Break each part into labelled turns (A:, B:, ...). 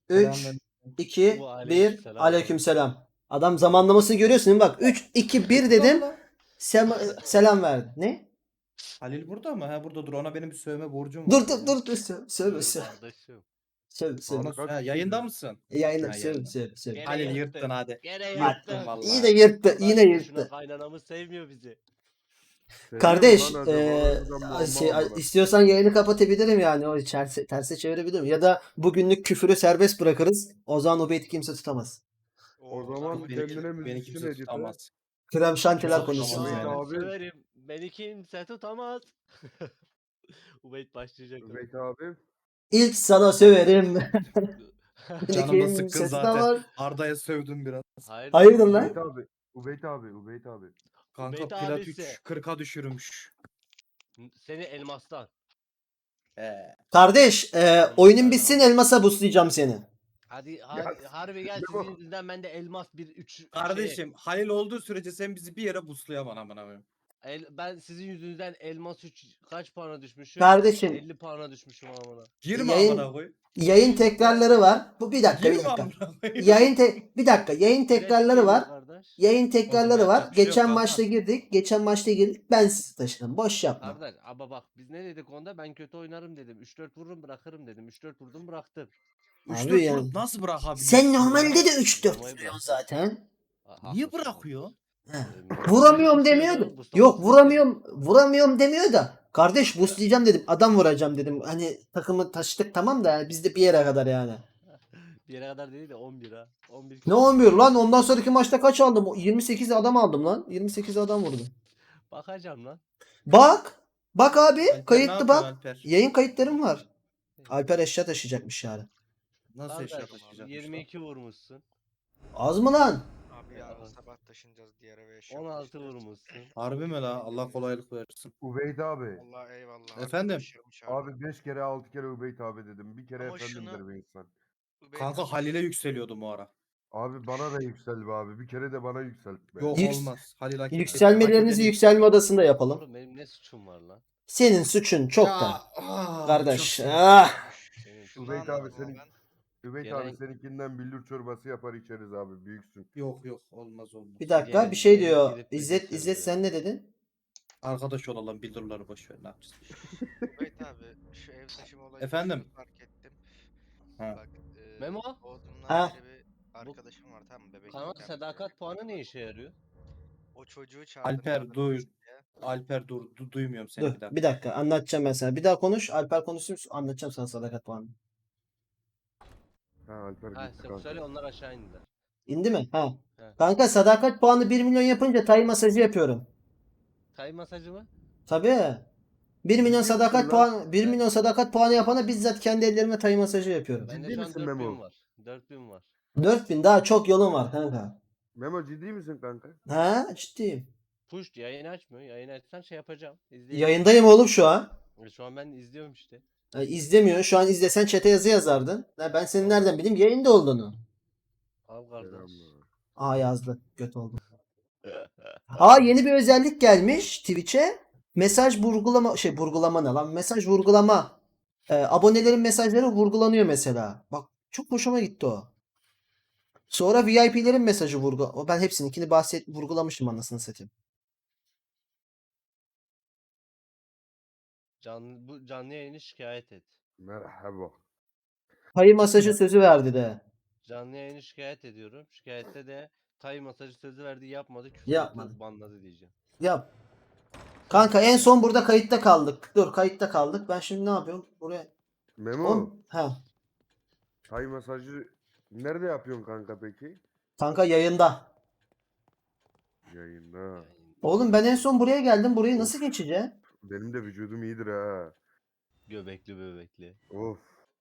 A: 3, 2, 1.
B: Aleykümselam.
A: Aleykümselam. Adam zamanlamasını görüyorsun değil mi? Bak 3, 2, 1 dedim. Selam verdi. Ne?
C: Halil burada mı? Ha burada dur. Ona benim bir sövme borcum var.
A: Dur. Söyle.
B: Dur kardeşim.
A: Söyle.
C: Ha, yayında mısın?
A: Yayınla
C: Ha,
A: söyle.
B: Gene
C: Halil
B: yırttın.
C: yırttın hadi.
B: Gene
A: Bak,
B: yırttın.
C: vallahi.
A: Yine yırttı.
B: Bak,
A: Yine
B: Şuna
A: yırttı.
B: kaynanamız sevmiyor bizi.
A: Kardeş,
D: şey,
A: istiyorsan yayını kapatabilirim yani. O terse çevirebilirim. Ya da bugünlük küfürü serbest bırakırız. O zaman o beyti kimse tutamaz.
D: O zaman
C: Beni,
D: kendine
C: beni
D: müzisyen
C: kimse
D: edite.
C: tutamaz.
A: Krem şantiler
C: Çok
A: konuşsun
C: şahane.
A: yani.
D: Abi.
B: Severim. Beni kimse tutamaz. Ubeyt başlayacak.
D: Übeyt abi.
A: İlk sana söverim.
C: Canım da sıkkın
A: Kimse
C: zaten.
A: tutamaz.
C: Arda'ya sövdüm biraz.
A: Hayırdır lan?
D: Übeyt abi. Übeyt abi. Übeyt abi.
C: Kanka
B: Ubeyt
C: plat
B: abisi.
C: 3 40'a düşürmüş.
B: Seni elmastan.
A: Kardeş, oyunun bitsin elmasa buslayacağım seni.
B: Hadi harbi gel
D: Memo.
B: sizin yüzünden ben de elmas 3
C: Kardeşim Halil olduğu sürece sen bizi bir yere buslayamam amına koyayım.
B: ben sizin yüzünüzden elmas 3 kaç puana düşmüşüm?
A: Kardeşim.
B: 50 puana düşmüşüm amına.
C: Girme
A: Yayın-
C: amına koy.
A: Yayın tekrarları var. Bu bir dakika.
C: Girme amına koyayım.
A: Bir dakika. Yayın tekrarları var.
B: Kardeş.
A: Yayın tekrarları var.
C: yapacak bir şey yok
A: Geçen
C: kanka.
A: maçta girdik. Ben sizi taşıdım. Boş yapma.
B: Kardeş ama bak biz ne dedik onda ben kötü oynarım dedim. 3-4 vururum bırakırım dedim. 3-4 vurdum bıraktım.
C: 3-4
A: Abi yani.
C: vurup nasıl bırakabilirsin?
A: Sen normalde de 3-4
B: Vurmayı
A: vuruyorsun
B: bırak.
A: zaten.
C: Niye bırakıyor?
A: He.
B: Ee,
A: Vuramıyorum
B: bir şey
A: demiyordu.
B: yok, Mustafa
A: Yok
B: Mustafa.
A: vuramıyorum demiyor da. Kardeş buslayacağım dedim. Adam vuracağım dedim. Hani takımı taşıdık tamam da yani biz de bir yere kadar yani.
B: Bir yere kadar değil de 11 ha. 11
A: Ne 11 lan? Ondan sonraki maçta kaç aldım? 28 adam aldım lan. 28 adam vurdum.
B: Bakacağım lan.
A: Bak. Bak abi.
C: Alper, ne
A: Kayıtlı
C: yapıyorsun
A: bak.
C: Alper?
A: Yayın kayıtlarım var. Alper eşya taşıyacakmış yani.
C: Nasıl
B: Kardeş,
C: eşya taşıyacakmış
B: 22 vurmuşsun.
A: Az mı lan?
E: Abi yarın sabah taşınacağız diğer eve eşya
B: 16
E: taşıyacağız.
B: vurmuşsun.
C: Harbi mi la? Allah kolaylık versin.
D: Übeyt abi.
E: Allah eyvallah.
C: Efendim?
E: Arkadaşlarım çağırdı.
D: Abi 5 kere 6 kere Übeyt abi dedim. Bir kere
E: Ama
D: efendim
E: şunu-
D: der bir insan.
E: Übeyt
C: Kanka
E: abi,
C: Halil'e yükseliyordum o ara.
D: Abi bana da yüksel be abi. Bir kere de bana yükselt be.
C: Yok
A: Yüks-
C: olmaz. Halil hak etti.
A: Yükselmelerinizi
C: Hak edeni-
A: yükselme odasında yapalım.
B: Oğlum benim ne suçum var lan?
A: Senin suçun çok da.
C: Ah,
A: Kardeş.
C: çok-
A: Ah.
B: Senin
E: şunu
D: Übeyt abi
E: anladım ama
D: senin.
E: ben.
D: Übeyt
B: Gelen-
D: abi seninkinden billur çorbası yapar içeriz abi. Büyüksün.
C: Yok olmaz.
A: Bir dakika
B: Gelin-
A: bir şey
B: gelin
A: diyor.
B: girip
A: İzzet
B: bilgisayarı
A: sen ne dedin?
C: Arkadaş olalım bildurları boş ver ne yapacağız?
E: Übeyt abi şu ev taşıma olayı
C: Efendim?
E: fark ettim.
C: Ha.
E: Bak
B: Memo?
E: doğduğumdan
A: Ha.
E: beri bir arkadaşım var tamam mı? Bebek.
B: Kanal sadakat puanı ne işe yarıyor?
E: O çocuğu çağırdım.
C: Alper
E: yardım
C: duy.
E: etsin diye.
C: Alper dur. Duymuyorum seni
A: Dur
C: bir daha.
A: bir dakika anlatacağım ben sana. Bir daha konuş. Alper konuşsun anlatacağım sana sadakat puanı.
D: Ha Alper
B: Ha
D: gitti
B: sen
D: kanka.
B: söyle onlar aşağı indiler.
A: İndi mi? Ha.
B: He.
A: Kanka sadakat puanı 1 milyon yapınca tay masajı yapıyorum.
B: Tay masajı mı?
A: Tabii. 1 milyon
D: Ciddi
A: sadakat
D: misin lan?
A: puanı 1 milyon sadakat puanı yapana bizzat kendi ellerimle tay masajı yapıyorum.
B: Bende
D: Ciddi
B: şu an
D: misin
B: 4000
D: Memo?
B: var. 4000 var.
A: 4000 daha çok yolun var kanka.
D: Memo ciddi misin kanka?
A: Ha ciddiyim.
B: Push yayın açmıyor. Yayın açsan şey yapacağım. İzleyeyim.
A: Yayındayım oğlum şu an.
B: Şu an ben izliyorum işte.
A: İzlemiyor. Şu an izlesen chat'e yazı yazardın. Ben senin nereden bileyim yayında olduğunu.
B: Al kardeş.
D: Selamlar.
A: Aa yazdı. Göt oldu. Aa yeni bir özellik gelmiş Twitch'e. Mesaj vurgulama ne lan? Mesaj vurgulama. Abonelerin mesajları vurgulanıyor mesela. Bak çok hoşuma gitti o. Sonra VIP'lerin mesajı ben hepsininkini vurgulamışım anasını satayım.
B: Bu canlı yayını şikayet et.
D: Merhaba.
A: Hayır masajı sözü verdi de.
B: Canlı yayını şikayet ediyorum. Şikayette de tay masajı sözü verdi yapmadı. Küfür
A: Yapmadı.
B: etti, banladı diyeceğim.
A: Yap. Kanka en son burada kayıtta kaldık. Dur kayıtta kaldık. Ben şimdi ne yapıyorum? Buraya.
D: Memo.
A: Ha.
D: Tay masajı nerede yapıyorsun kanka peki?
A: Kanka yayında.
D: Yayında.
A: Oğlum ben en son buraya geldim. Burayı nasıl geçeceğim?
D: Benim de vücudum iyidir ha.
B: Göbekli bebekli.
D: Of.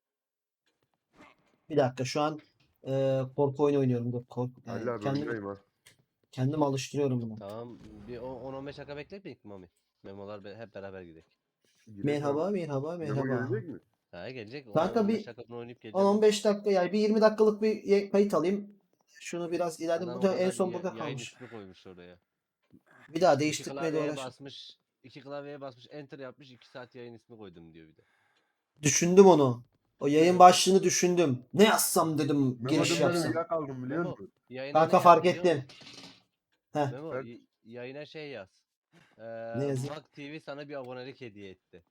A: Bir dakika şu an korku oyunu oynuyorum. Dur,
D: Halil abi
A: kendim,
D: öndeyim ha.
A: kendim alıştırıyorum bunu.
B: Tamam bir 10-15 dakika bekletmeyik mi Mami? Memolar hep beraber gidelim.
D: Gidelim
A: Merhaba,
D: abi.
A: merhaba,
D: Memo
A: merhaba.
D: gelecek mi?
B: Ha gelecek.
A: Kanka
B: 15
A: bir
B: dakika sonra oynayıp geleceğim.
A: 10-15 dakika yani bir 20 dakikalık bir kayıt alayım. Şunu biraz ileride
B: Adam o
A: burada en
B: kadar
A: son burada
B: yayın
A: kalmış.
B: ismi koymuş oraya.
A: Bir daha
B: İki
A: değiştirmeye de
B: klavyeye
A: uğraş.
B: basmış. 2 klavyeye basmış. Enter yapmış. 2 saat yayın ismi koydum diyor bir de.
A: Düşündüm onu. O yayın başlığını düşündüm. Ne yazsam dedim giriş
D: Memo
A: yapsam.
D: ben uyuyakaldım biliyor
B: Memo,
D: musun?
B: yayına
A: Kanka
B: ne
A: fark
B: yaz biliyor
A: ettim.
B: musun?
A: Heh.
B: Memo,
D: Evet.
B: yayına şey yaz.
A: Ne yazayım?
B: Mak TV sana bir abonelik hediye etti.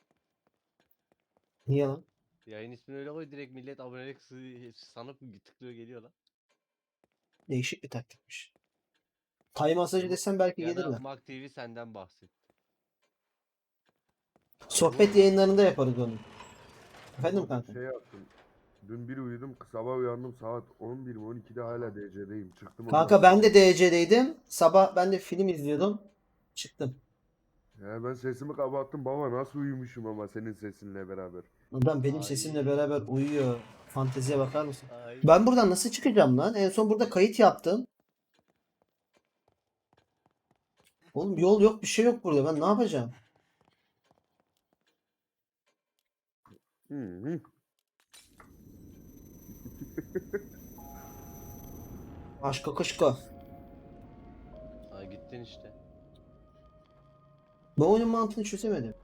A: Niye lan?
B: Yayın ismini öyle koy, direkt millet abonelik sanıp tıklıyor geliyor lan.
A: Değişik bir taktikmiş. Tay masajı desem belki
B: Ya da
A: gelirler.
B: Mak TV senden bahset.
A: Sohbet yayınlarında yaparız onu. Efendim kanka?
D: Şey yaptım. Dün bir uyudum, sabah uyandım saat 11 mi 12'de hala DC'deyim. Çıktım
A: Kanka ben de DC'deydim. Sabah ben de film izliyordum. Çıktım.
D: Ya ben sesimi kapattım baba nasıl uyumuşum ama senin sesinle beraber.
A: Buradan benim
B: Ay.
A: sesimle beraber uyuyor. Fanteziye bakar mısın?
B: Ay.
A: Ben buradan nasıl çıkacağım lan? En son burada kayıt yaptım. Oğlum yol yok, bir şey yok burada. Ben ne yapacağım?
D: Hı hı.
A: Aşka kışka.
B: Ay gittin işte.
A: Bu oyunun mantığını çözemedim.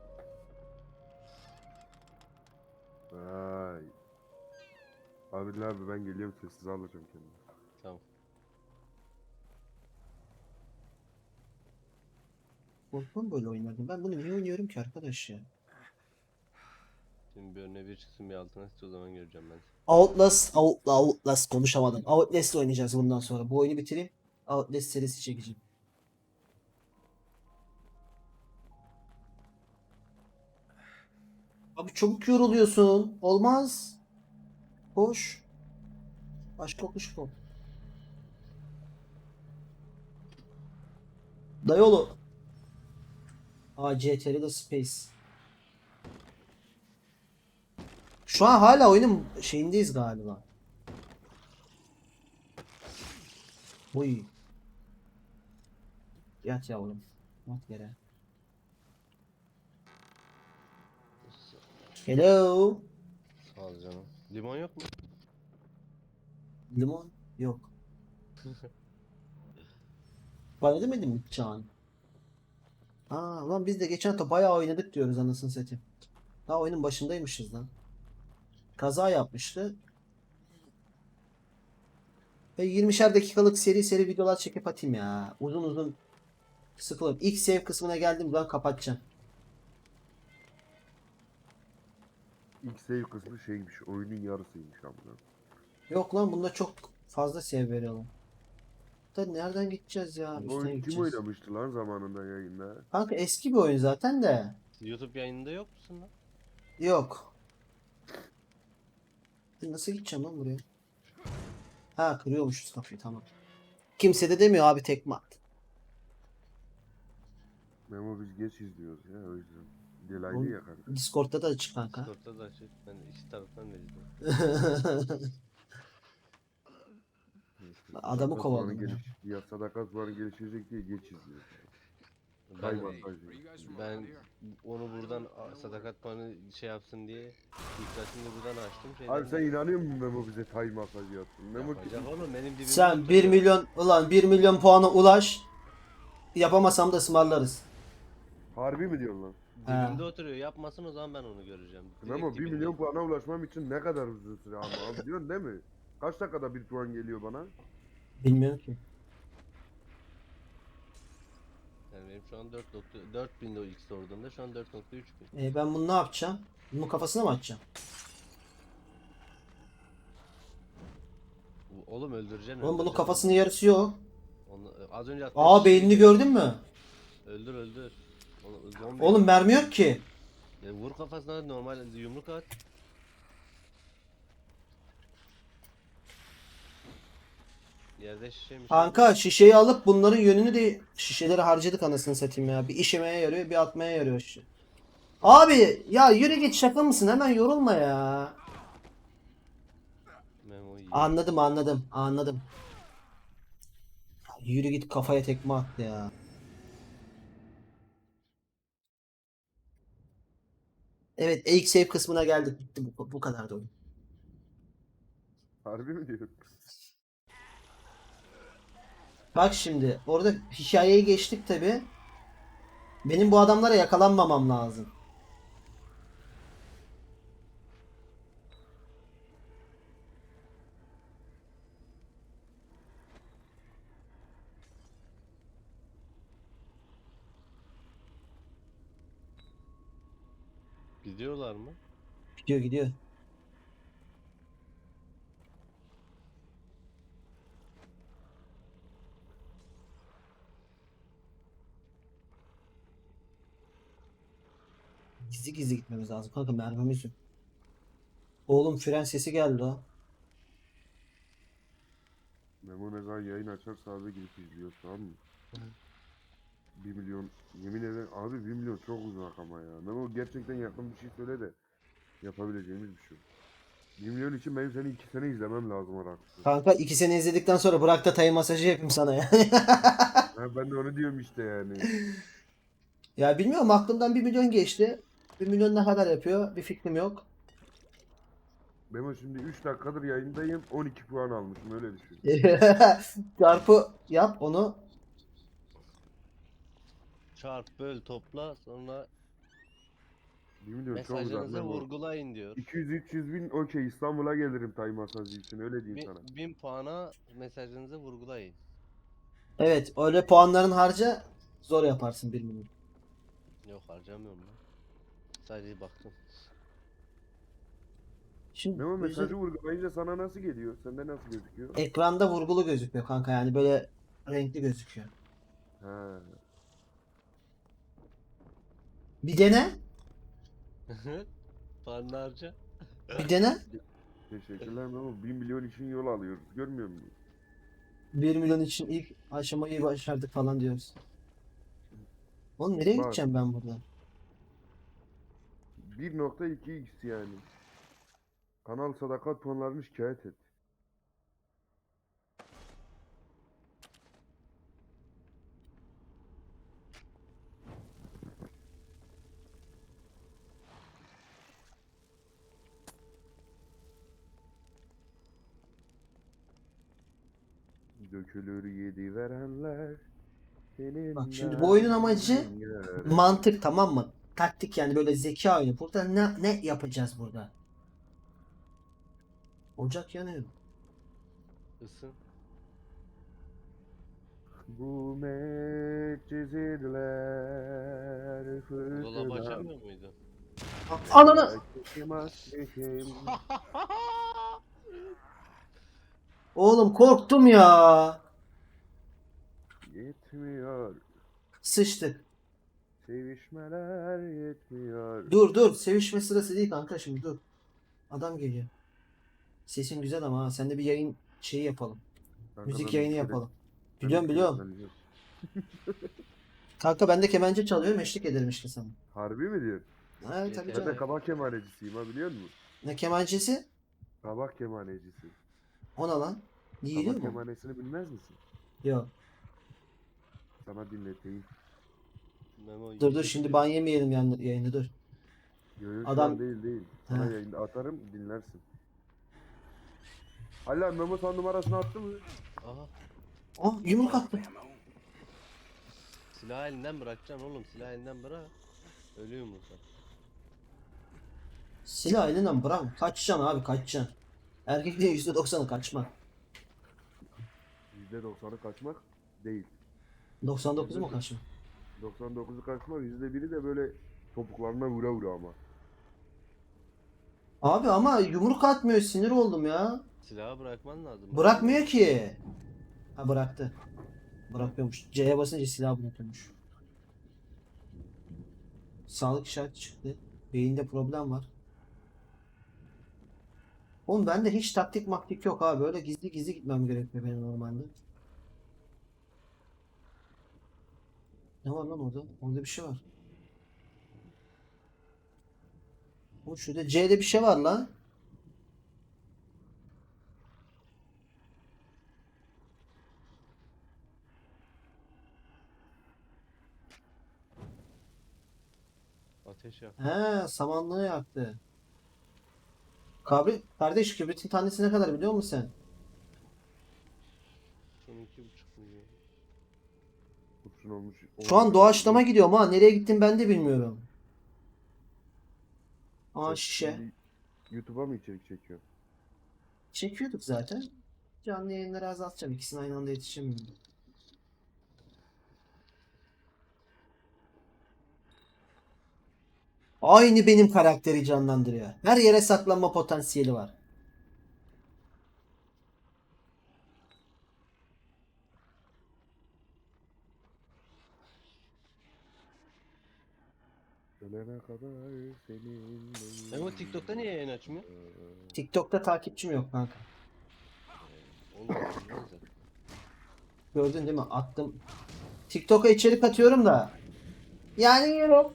D: Vay. Abi ben geliyorum sessiz alacağım kendimi.
B: Tamam.
A: Korkmam böyle oyunlardan. Ben bunu niye oynuyorum ki arkadaş ya?
B: Şimdi bir önüne bir çıksın bir altına sıç, o zaman göreceğim ben.
A: Outlast konuşamadım. Outlast oynayacağız bundan sonra. Bu oyunu bitireyim. Outlast serisi çekeceğim. Abi çabuk yoruluyorsun. Olmaz. Koş. Başka kuş bu. Dayolu. CTRL Space. Şu an hala oyunun şeyindeyiz galiba. Uy. Yat yavrum. Yat yere. Hello.
B: Sağ ol canım. Limon yok mu?
A: Limon? Yok. Bana demedin mi Çağan? Lan biz de geçen hafta bayağı oynadık diyoruz anasını satayım. Daha oyunun başındaymışız lan. Kaza yapmıştı. Ve 20'şer dakikalık seri videolar çekip atayım ya. Uzun uzun sıkılırım. İlk save kısmına geldim ben kapatacağım.
D: İlk save kısmı şeymiş oyunun yarısıymış amına.
A: Yok lan bunda çok fazla save veriyorlar. Da nereden gideceğiz ya?
D: Bu
A: Üstüne
D: oyun kim
A: gideceğiz.
D: oynamıştı lan zamanında yayında?
A: Kanka eski bir oyun zaten de.
B: YouTube yayınında yok musun lan?
A: Yok. Nasıl gideceğim lan buraya? Kırıyormuşuz kapıyı tamam. Kimse de demiyor abi tekme at.
D: Memo biz geç izliyoruz ya o yüzden. Delaylı
A: Oğlum,
D: ya kanka.
A: Discord'da da açık kanka.
B: Discord'da da açık. Ben iki taraftan da izliyorum.
A: Adamı
D: Sadakat
A: kovaladım
D: puanı
A: ya.
D: Ya sadakat puanı gelişecek diye geç izliyoruz.
B: Ben,
D: Tay masajı.
B: ben onu buradan sadakat puanı şey yapsın diye yükselsin diye buradan açtım.
D: Abi sen inanıyor musun Memo bize tay masajı yapsın? Memo
B: Yapacak oğlum, benim dibimde
A: Sen 1
B: oturuyor.
A: milyon ulan 1 milyon puana ulaş. Yapamasam da ısmarlarız.
D: harbi mi diyorsun lan?
B: Dibimde oturuyor, yapmasın, o zaman ben onu göreceğim. Direkt
D: Memo 1
B: dibinde.
D: milyon puana ulaşmam için ne kadar uzun süre ama abi diyorsun değil mi? Kaç dakikada bir puan geliyor bana?
A: Bilmiyorum ki.
B: Yani benim şu an 4.4000 de ilk sorduğumda şu an 4.3 bin.
A: Ben bunu ne yapacağım? Bunun kafasına mı atacağım?
B: Oğlum öldüreceksin.
A: Oğlum bunun
B: öldüreceksin.
A: kafasının yarısı yok.
B: Onu, az önce attığım
A: Beynini gördün mü?
B: Öldür öldür. Zombi.
A: Oğlum mermi yok ki.
B: Ya vur kafasına, normal yumruk at. Yerde şişeymiş.
A: Kanka şişeyi alıp bunların yönünü de şişeleri harcadık anasını satayım ya. Bir işemeye yarıyor, bir atmaya yarıyor şişe. Abi ya yürü git, şaka mısın? Hemen yorulma ya.
B: Memo iyi.
A: Anladım. Yürü git, kafaya tekme attı ya. Evet, ilk save kısmına geldik. Bitti bu kadar da oyun.
D: Harbi mi diyorsun?
A: Bak şimdi orada hikayeyi geçtik tabi. Benim bu adamlara yakalanmamam lazım.
B: Gidiyorlar mı?
A: Gidiyor gidiyor. Gizli gizli gitmemiz lazım kanka, mermimiz yok. Oğlum fren sesi geldi o.
D: Memo ne zaman yayın açarsa abi gidip izliyor, tamam mı? 1 milyon, yemin ederim abi 1 milyon çok uzak ama ya. Memo gerçekten yakın bir şey söyle de yapabileceğimiz bir şey. 1 milyon için benim seni 2 sene izlemem lazım aralıksız.
A: Kanka 2 sene izledikten sonra bırak da tay masajı yapayım sana ya.
D: Ha, ben de onu diyorum işte yani.
A: Ya bilmiyorum, aklımdan 1 milyon geçti. 1 milyon ne kadar yapıyor bir fikrim yok.
D: Memo şimdi 3 dakikadır yayındayım, 12 puan almışım, öyle düşün.
A: Çarpı yap onu.
B: Çarp, böl, topla, sonra
D: 1 milyon çok uzak
B: mesajlarınızı
D: Memo.
B: vurgulayın diyor.
D: 200-300 bin okey, İstanbul'a gelirim tay masajı için, öyle diyeyim sana.
B: 1000 puana mesajlarınızı vurgulayın.
A: Evet, öyle puanların harca, zor yaparsın 1 milyon.
B: Yok, harcamıyorum ben. Sadece baktım.
A: Şimdi
D: Memo
A: özel-
D: mesajı vurgulayınca sana nasıl geliyor? Sende nasıl gözüküyor?
A: ekranda vurgulu gözüküyor kanka, yani böyle renkli gözüküyor.
D: Ha.
A: Bir dene.
B: Puanla harca.
A: Bir dene.
D: Teşekkürler Memo. 1 milyon için yol alıyoruz. Görmüyor musun?
A: 1 milyon için ilk aşamayı başardık falan diyoruz. Oğlum nereye
D: Bak.
A: gideceğim ben buradan?
D: 1.2x yani. Kanal sadakat puanlarını şikayet et. Dökülür yedi verenler.
A: Bak şimdi bu oyunun amacı mantık, tamam mı? Taktik, yani böyle zeka oyunu. Burada ne yapacağız burada? Ocak yanıyor.
B: Isın.
D: Bu medcezirler
B: Dolabı açamıyor muydu?
A: Ananı! Oğlum korktum ya.
D: Yetmiyor.
A: Sıçtık.
D: Sevişmeler yetmiyor.
A: Dur sevişme sırası değil kanka, şimdi dur. Adam geliyor. Sesin güzel ama ha. Sen de bir yayın şeyi yapalım.
D: Kanka
A: Müzik
D: ben
A: yayını
D: bir kere-
A: yapalım.
D: ben
A: Biliyorum
D: bir kere
A: biliyorum.
D: söyleyeceğim.
A: Kanka ben de kemençe çalıyorum, eşlik ederim işte sana.
D: Harbi mi diyor?
A: Ha tabii
B: Yeter.
D: Ben de
A: canım.
D: kabak kemanecisiyim ha, biliyor musun?
A: Ne kemençesi?
D: Kabak kemanecisi.
A: O ne lan? Yiyiliyor
D: Kabak
A: mu?
D: kemanesini bilmez misin?
A: Yok.
D: Sana dinleteyim.
B: Memo
A: Dur şimdi ban yemeyelim yayında, dur.
D: Yo, yo, şu
A: Adam-
D: an değil. Sana
A: Ha.
D: yayında atarım, dinlersin. Hala Memo sen numarasını attı mı?
B: Aha.
A: Oh, yumruk attı.
B: Silah elinden bırakacaksın oğlum. Silah elinden bırak. Ölü yumurta.
A: Silah elinden bırak. Kaçacaksın abi, kaçacaksın. Erkekliğin %90'ı kaçmak.
D: %90'ı kaçmak değil.
A: 99'u mu kaçmak?
D: 99'u kaçmak, %1'i de böyle topuklarına vura vura ama.
A: Abi ama yumruk atmıyor, sinir oldum ya.
B: Silahı bırakman lazım.
A: Bırakmıyor ki. Ha bıraktı. Bırakıyormuş. C'ye basınca silah bırakıyormuş. Sağlık işareti çıktı. Beyinde problem var. Oğlum bende hiç taktik maktik yok abi. Böyle gizli gizli gitmem gerekiyor benim normalde. Ne var lan orada? Orada bir şey var. O şurada C'de bir şey var lan.
B: Ateş yap.
A: He, samanlığı yaktı. Kardeş kibritin tanesi ne kadar biliyor musun sen?
B: Son 2,5 milyon.
D: Kurşun olmuş.
A: Şu an doğaçlama gidiyorum ha. Nereye gittim ben de bilmiyorum. Aa şişe.
D: Şimdi YouTube'a mı içerik çekiyor?
A: Çekiyorduk zaten. Canlı yayınları azaltacağım. İkisini aynı anda yetişemiyorum. Aynı benim karakteri canlandırıyor. Her yere saklanma potansiyeli var.
D: Ölene kadar senin
B: Ama TikTok'ta niye yayın açmıyor?
A: TikTok'ta takipçim yok kanka.
B: Onu da bilmez zaten.
A: Gördün değil mi? Attım. TikTok'a içerik atıyorum da. Yani yiyorum.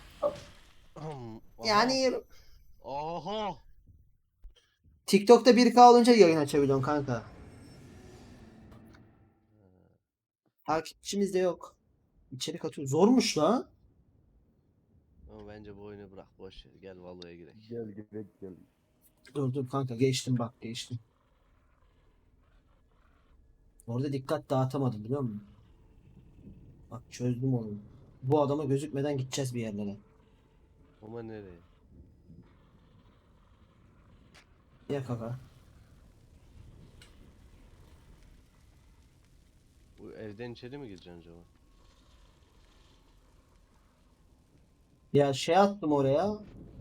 A: Yani yiyorum.
B: Aha.
A: TikTok'ta 1K olunca yayın açabiliyorsun kanka. Takipçimiz de yok. İçerik atıyor. Zormuş lan.
B: Ama bence bu oyunu bırak boş ver. Gel Valo'ya girelim.
D: Gel gidek gel.
A: Dur kanka geçtim bak geçtim. Orada dikkat dağıtamadım biliyor musun? Bak çözdüm onu. Bu adama gözükmeden gideceğiz bir yerlere.
B: Ama nereye?
A: Ya kaka.
B: Bu evden içeri mi gireceksin acaba?
A: Ya şey attım oraya.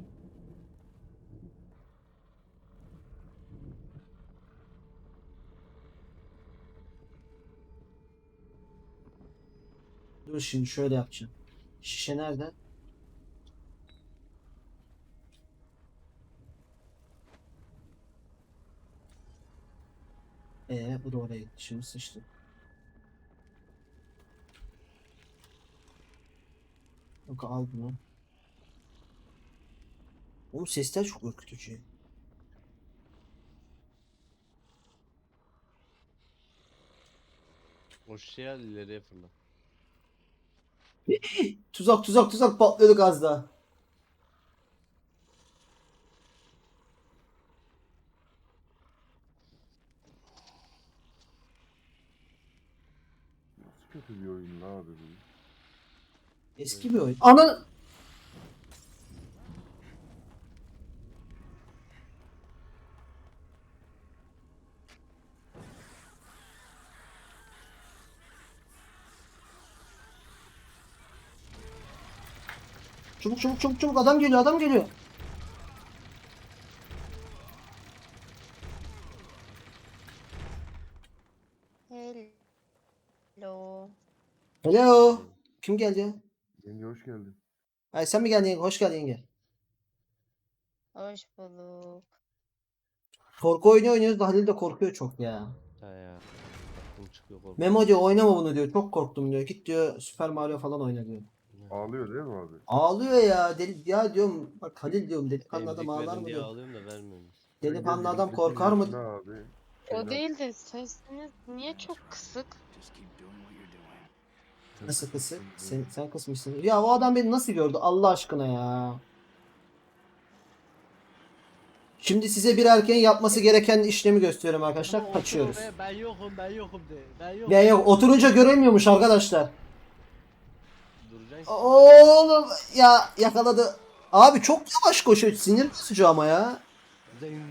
A: Dur şimdi şöyle yapacağım. Şişe nerede? Bu da oraya gitti. Şimdi sıçtı. Yok al bunu. Oğlum sesler çok ürkütücü.
B: O şişeyi al ileriye fırla.
A: Tuzak patlıyorduk az daha.
D: Nasıl kötü bir oyun la abi bu?
A: Eski bir oyun. Ana! Çabuk adam geliyor adam geliyor.
F: Hello.
A: Hello. Kim geldi ya?
D: Yenge hoş geldin.
A: Ay sen mi geldin yenge? Hoş geldin yenge.
F: Hoş bulduk.
A: Korku oyunu oynuyoruz da Halil de korkuyor çok ya.
B: Ha ya. Aklım çıkıyor korkuyorum.
A: Memo diyor oynama bunu diyor. Çok korktum diyor. Git diyor Super Mario falan oyna diyor.
D: Ağlıyor değil mi abi?
A: Ağlıyor ya. Deli, ya diyorum bak Halil diyorum delikanlı adam
B: Emzik
A: ağlar
B: verin
A: mı
B: diye
A: diyorum.
B: ağlıyorum da vermiyorsunuz.
A: Delikanlı
D: Yenge
A: adam
D: 28
A: korkar mı?
D: yaşında abi.
F: O
D: Evlat-
F: değil de sesiniz niye çok kısık?
A: Nasıl kısık? Sen kısmışsın. Ya o adam beni nasıl gördü Allah aşkına ya. Şimdi size bir erkeğin yapması gereken işlemi gösteriyorum arkadaşlar. Kaçıyoruz.
B: Ben yokum de. Ben yokum.
A: Ya yok oturunca göremiyormuş arkadaşlar.
B: Duracaksın.
A: Oğlum ya yakaladı. Abi çok yavaş koşuyor. Sinir bozucu ama ya.
B: Zing.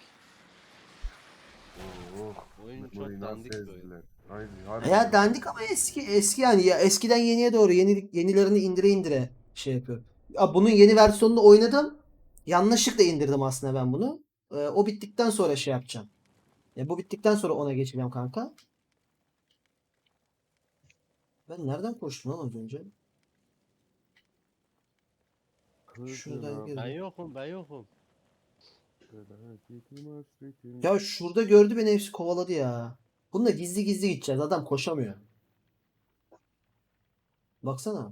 D: Oh,
B: Oyun çok
D: Memo'yu nasıl
B: dandik bir oyun.
D: ezdiler. Aynen, harbiden.
A: Ya dandik ama eski yani ya eskiden yeniye doğru yenilerini indire şey yapıyor. Ya bunun yeni versiyonunu oynadım. Yanlışlıkla indirdim aslında ben bunu. O bittikten sonra şey yapacağım. Bu bittikten sonra ona geçeceğim kanka. Ben nereden koştum lan az önce? Şuradan
D: Kızına
A: girdim.
B: Ben yokum.
D: felaketim hasretim.
A: Ya şurada gördü beni hepsi kovaladı ya. Bununla gizli gizli gideceğiz. Adam koşamıyor. Baksana.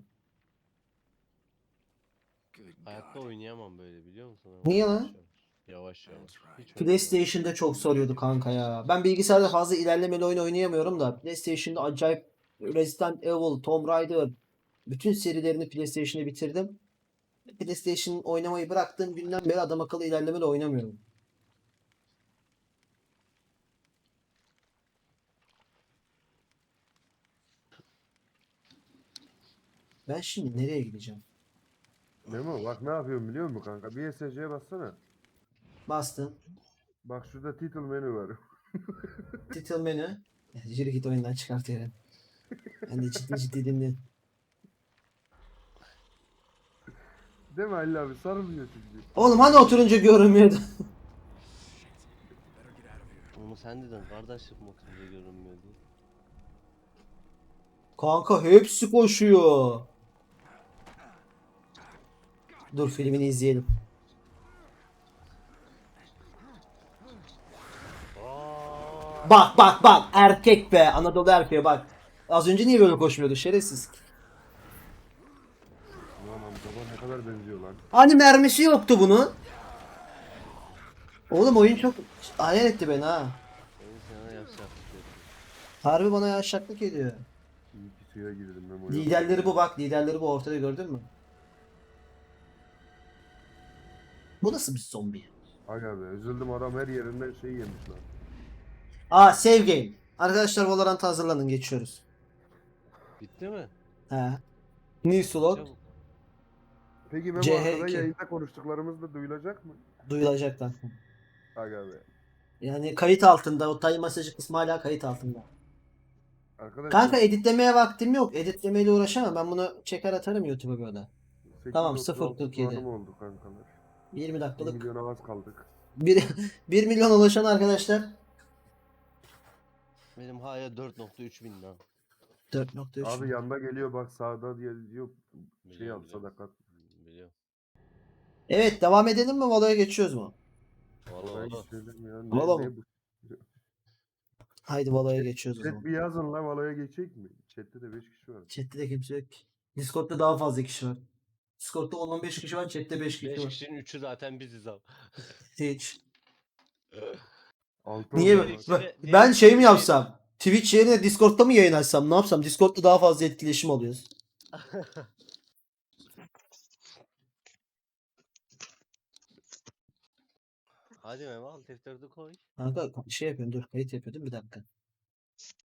B: Hayatta oynayamam böyle biliyor musun?
A: Niye
B: Yavaş
A: lan?
B: yavaş. Hiç
A: PlayStation'da çok soruyordu kanka ya. Ben bilgisayarda fazla ilerlemeli oyun oynayamıyorum da PlayStation'da acayip Resident Evil, Tomb Raider bütün serilerini PlayStation'da bitirdim. PlayStation oynamayı bıraktığım günden beri adam akıllı ilerlemeli oynamıyorum. Ben şimdi nereye gideceğim?
D: Memo bak ne yapıyorum biliyor musun kanka? Bir SSC'ye bassana.
A: Bastım.
D: Bak şurada title menü var.
A: Title menü. Yürü git oyundan çıkartıyorum. Ben de ciddi dinliyorum.
D: Değil mi Halil abi? Sarılmıyor çünkü.
A: Oğlum hani oturunca görünmüyordu.
B: Onu sen dedin kardeşim oturunca görünmüyor diye.
A: Kanka hepsi koşuyor. Dur filmini izleyelim. Bak bak bak erkek be Anadolu erkeğe bak. Az önce niye böyle koşmuyordu şerefsiz.
D: Ulan amcama ne kadar benziyor lan.
A: Hani mermisi yoktu bunun. Oğlum oyun çok hayal etti beni ha.
B: Benim sana yapacak bir şey.
A: Harbi bana yavşaklık ediyor.
D: İyi ki suya girdim ben.
A: Liderleri bu bak liderleri bu ortada gördün mü? Bu nasıl bir zombi?
D: Aga be üzüldüm adam her yerinden şey yemiş lan.
A: Aa save game. Arkadaşlar Valorant'a hazırlanın geçiyoruz.
B: Bitti mi?
A: He. New slot
B: Çabuk.
D: Peki Memo
A: CH2.
D: arkada yayında konuştuklarımız da duyulacak mı?
A: duyulacaklar.
D: Aga be.
A: Yani kayıt altında o time mesajı kısmı hala kayıt altında.
D: Arkadaşlar
A: Kanka editlemeye vaktim yok. Editlemeyle uğraşamam. Ben bunu çeker atarım YouTube'a böyle. Tamam,
D: 836
A: 0.47.
D: puanım oldu kankalar.
A: 20
D: 1
A: dakikalık.
D: milyona az kaldık.
A: 1 milyon ulaşan arkadaşlar.
B: Benim hala 4.3 bin lan.
A: 4.3.
D: Abi yanda geliyor bak sağda diye diyor şey
B: Biliyorum,
D: al
B: biliyorum.
D: sadakat.
B: Biliyorum.
A: Evet devam edelim mi? Valo'ya geçiyoruz mu?
B: Valla
D: Orayı
B: valla.
D: söyleme ya.
A: Valla
D: Ne
A: mı?
D: bu?
A: Haydi Valo'ya geçiyoruz o
D: Chat
A: zaman.
D: bir yazın lan Valo'ya geçecek mi? Chat'te de 5 kişi var.
A: Chat'te de kimse yok. Discord'da daha fazla kişi var. Discord'da 10-15 kişi var. Chat'te 5 kişi
B: 5
A: var.
B: kişinin 3'ü zaten biziz abi.
A: Hiç.
D: 6
A: Niye?
D: oldu
B: ikisi
D: bak.
B: de-
A: Ben
B: diğer
A: şey mi
B: ikisi de
A: yapsam? Twitch yerine Discord'da mı yayın açsam? Ne yapsam? Discord'da daha fazla etkileşim alıyoruz.
B: Hadi Memo al F4'ü koy.
A: Kanka şey yapıyorum dur. Kayıt yapıyordum bir dakika.